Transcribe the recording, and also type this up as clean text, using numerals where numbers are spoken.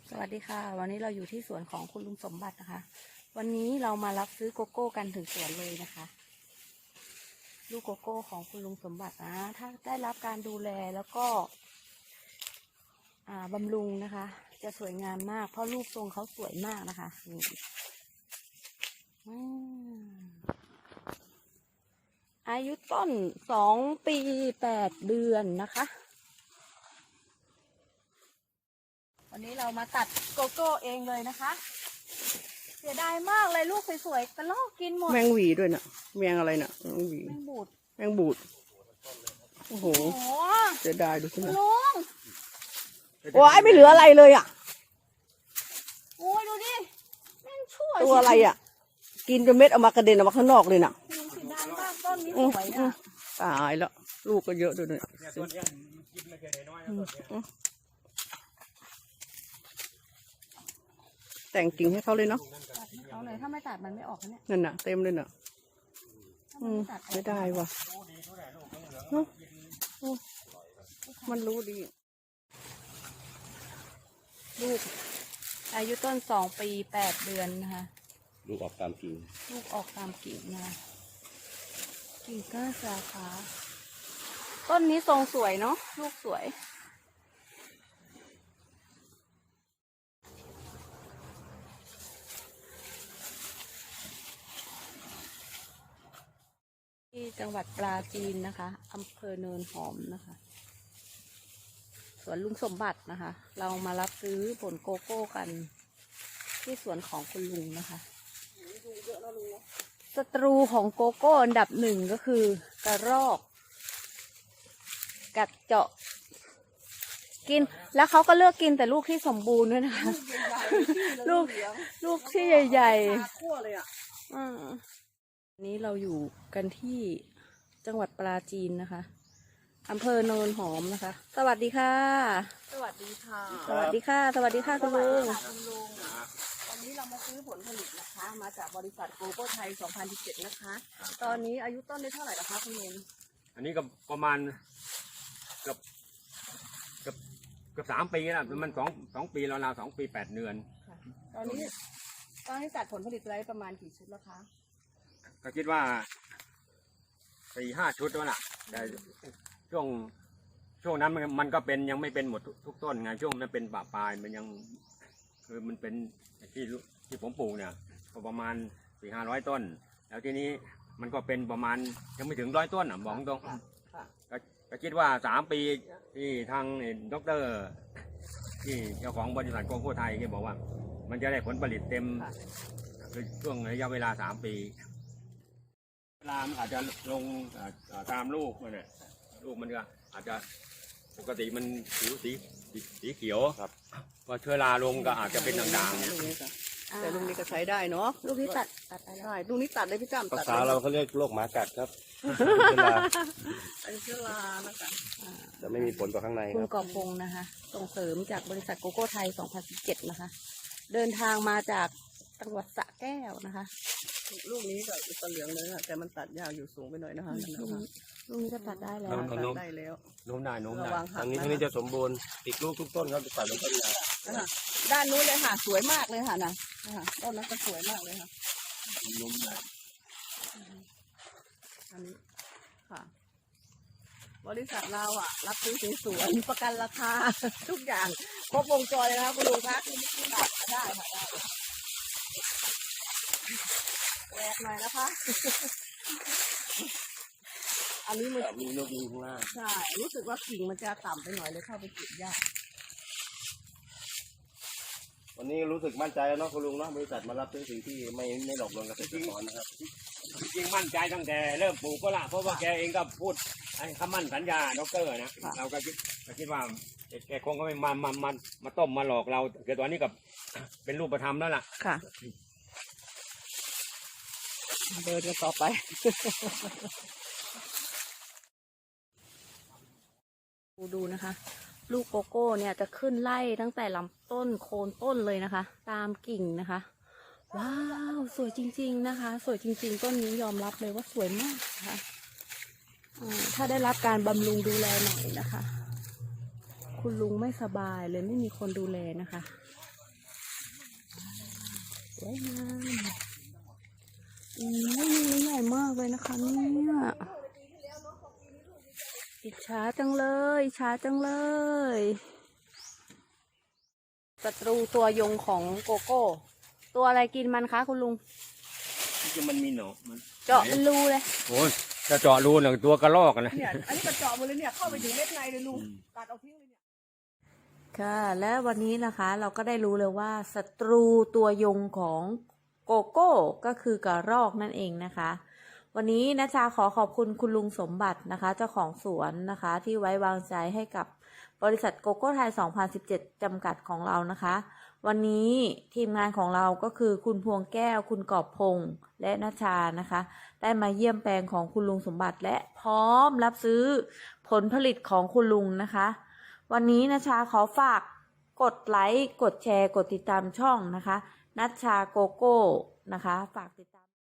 สวัสดีค่ะวันนี้เราอยู่ที่สวนของคุณลุงสมบัตินะคะวันนี้เรามารับซื้อโกโก้กันถึงสวนเลยนะคะลูกโกโก้ของคุณลุงสมบัตินะถ้าได้รับการดูแลแล้วก็บำรุงนะคะจะสวยงามมากเพราะรูปทรงเขาสวยมากนะคะนี่อายุต้น2 ปี8 เดือนนะคะวันนี้เรามาตัดโกโก้เองเลยนะคะเสียดายมากเลยลูกสวยๆกระลอกกินหมดแมงหวีด้วยน่ะแมงอะไรน่ะแมงหวีแมงบูดแมงบูดโอ้โหเสียดายดูสิลุงโอ้ยไม่เหลืออะไรเลยอ่ะโอ้ยดูดิแม่งชั่วตัวอะไรอ่ะกินจนเม็ดออกมากระเด็นออกมาข้างนอกเลยน่ะเสียดายมากต้นนี้สวยอ่ะตายแล้วลูกก็เยอะด้วยเนี่ยแต่งกิ่งให้เขาเลยเนาะเอาเลยถ้าไม่ตัดมันไม่ออกเนี่ยนั่นน่ะเต็มเลยน่ะไม่ได้ว่ะมันรู้ดีลูกอายุต้น2 ปี8 เดือนนะคะลูกออกตามกิ่งลูกออกตามกิ่งนะคะกิ่งก้านสาขาต้นนี้ทรงสวยเนาะลูกสวยที่จังหวัดปราจีนนะคะอำเภอเนินหอมนะคะสวนลุงสมบัตินะคะเรามารับซื้อผลโกโก้กันที่สวนของคุณลุงนะคะศัตรูของโกโก้อันดับ1ก็คือกระรอกกัดเจาะกินแล้วเขาก็เลือกกินแต่ลูกที่สมบูรณ์ด้วยนะคะลูกที่ใหญ่ๆนี้เราอยู่กันที่จังหวัดปราจีนนะคะอำเภอโนนหอมนะคะสวัสดีค่ะสวัสดีค่ะสวัสดีค่ะสวัสดีค่ะคุณลุงวันนี้เรามาซื้อผลผลิตนะคะมาจากบริษัทโกโก้ไทย2017นะคะตอนนี้อายุต้นได้เท่าไหร่แล้วคะคุณลุงอันนี้ก็ประมาณเกือบ3 ปีแล้วมันสองปีแล้วเรา2 ปี 8 เดือนตอนนี้ตัดผลผลิตไว้ประมาณกี่ชุดแล้วคะก็คิดว่า4-5 ชุดแล้วล่ะแต่ช่วงนั้นมันก็เป็นยังไม่เป็นหมดทุกต้นไงช่วงนั้นเป็นป่าปลายมันยังคือมันเป็นที่ผมปลูกเนี่ยประมาณ400-500 ต้นแล้วทีนี้มันก็เป็นประมาณยังไม่ถึง100 ต้นอ่ะบอกตรงก็คิดว่า3 ปีที่ทางดร.ที่เจ้าของบริษัทโกโก้ไทยที่บอกว่ามันจะได้ผลผลิตเต็มคือช่วงระยะเวลา3 ปีเวลาอาจจะลงตามลูกมันเนี่ยลูกมันก็อาจจะปกติมันสีเขียวครับพอเชื้อราลงก็อาจจะเป็นด่างๆเนี่ยแต่ลูกนี้ก็ใช้ได้เนาะลูกนี้ตัดได้ลูกนี้ตัดได้พี่จ้ำภาษาเราเขาเรียกโรคหมากัดครับเชื้อรานะคะจะไม่มีผลต่อข้างในคุณกอบพงษ์นะคะส่งเสริมจากบริษัทโกโก้ไทย2017นะคะเดินทางมาจากจังหวัดสระแก้วนะคะลูกนี้ก็ตะเหลืองเลยค่ะแต่มันตัดยาวอยู่สูงไปหน่อยนะคะลูกนี้ก็ตัดได้แล้วได้แล้วโน้มได้ทางนี้จะสมบูรณ์ติดลูกทุกต้นครับจะตัดลงต้นยาวด้านนู้นเลยค่ะสวยมากเลยค่ะนะต้นนั้นก็สวยมากเลยค่ะโน้มได้อันนี้ค่ะบริษัทเรารับซื้อสวนประกันราคาทุกอย่างครบวงจรเลยนะคะคุณลุงคะได้ค่ะได้แหวกหน่อยนะคะอันนี้มันมีนกยูงข้างล่างใช่รู้สึกว่ากิ่งมันจะต่ำไปหน่อยเลยเข้าไปเก็บยากวันนี้รู้สึกมั่นใจแล้วเนาะคุณลุงเนาะบริษัทมารับซื้อสิ่งที่ไม่หลอกลวงเกษตรกรนะครับจริงมั่นใจตั้งแต่เริ่มปลูกก็ละเพราะว่าแกเองก็พูดคำมั่นสัญญาดร.นะเราก็คิดว่าแกคงก็ไม่มาต้มมาหลอกเราเกิดตอนนี้กับเป็นรูปธรรมแล้วล่ะค่ะเดินกันต่อไปดูนะคะลูกโกโก้เนี่ยจะขึ้นไล่ตั้งแต่ลำต้นโคนต้นเลยนะคะตามกิ่งนะคะว้าวสวยจริงๆนะคะสวยจริงๆต้นนี้ยอมรับเลยว่าสวยมากนะคะถ้าได้รับการบำรุงดูแลหน่อยนะคะคุณลุงไม่สบายเลยไม่มีคนดูแลนะคะสวยงามโอ้ยนี่ใหญ่มากเลยนะคะเนี่ยอิจฉาจังเลยอิจฉาจังเลยศัตรูตัวยงของโกโก้ ตัวอะไรกินมันคะคุณลุงที่มันมีหนอนมันเจาะเป็นรูเลยโอ้ยจะเจาะรูหนึ่งตัวกระรอกกันนะเนี่ยอันนี้กระเจาะหมดเลยเนี่ยเข้าไปถึงเม็ดในเลยลุงตัดเอาทิ้งเลยเนี่ยค่ะ และวันนี้นะคะเราก็ได้รู้เลยว่าศัตรูตัวยงของโกโก้ก็คือกระรอกนั่นเองนะคะ วันนี้นะชาขอขอบคุณคุณลุงสมบัตินะคะ เจ้าของสวนนะคะ ที่ไว้วางใจให้กับบริษัทโกโก้ไทย 2017 จำกัดของเรานะคะ วันนี้ทีมงานของเราก็คือคุณพวงแก้ว คุณกอบพงษ์และนชานะคะ ได้มาเยี่ยมแปลงของคุณลุงสมบัติและพร้อมรับซื้อผลผลิตของคุณลุงนะคะ วันนี้นชาขอฝากกดไลค์ กดแชร์ กดติดตามช่องนะคะ นัชชาโกโก้นะคะ ฝากติดตาม